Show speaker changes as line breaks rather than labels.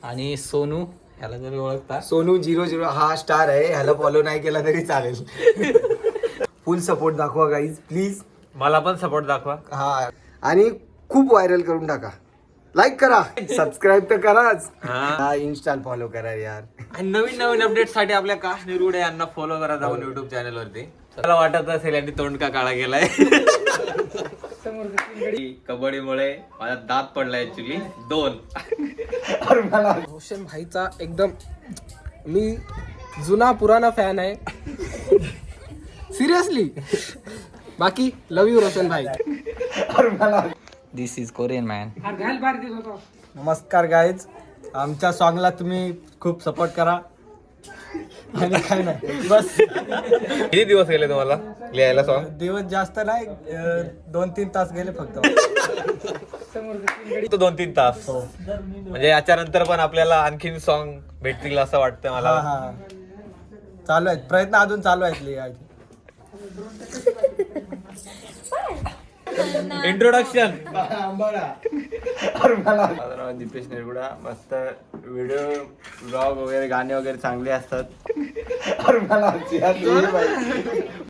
आणि सोनू ह्याला जरी ओळखता,
सोनू 00 हा स्टार आहे, ह्याला फॉलो नाही केला तरी चालेल. फुल सपोर्ट दाखवा गाईज प्लीज.
मला पण सपोर्ट दाखवा.
हा आणि खूप व्हायरल करून टाका. लाईक करा, सबस्क्राईब तर कराच. हा इन्स्टा फॉलो करा यार.
आणि नवीन नवीन अपडेट साठी आपल्या काश निरुडे यांना फॉलो करा जाऊन युट्यूब चॅनल वरती. मला वाटत असेल यांनी तोंड का काळा केलाय. कबड्डीमुळे माझा दात पडलाय ऍक्च्युली 2.
रोशन भाईचा एकदम मी जुना पुराना फॅन आहे. सिरियसली. बाकी लव यू रोशन भाई.
This is Korean man.
नमस्कार गाईज, आमच्या सॉंगला तुम्ही खूप सपोर्ट करा. आणि काय नाही बस.
किती दिवस गेले तुम्हाला लिहायला सॉन्ग?
दिवस जास्त नाही, 2-3 तास गेले फक्त.
2-3 तास. म्हणजे याच्या नंतर पण आपल्याला आणखीन सॉन्ग भेटतील असं वाटतं मला.
हा चालू आहेत प्रयत्न, अजून चालू आहेत लिहायचे.
इंट्रोडक्शन.
दीपेश निरगुडा. मस्त व्हिडिओ ब्लॉग वगैरे गाणे वगैरे चांगले असतात.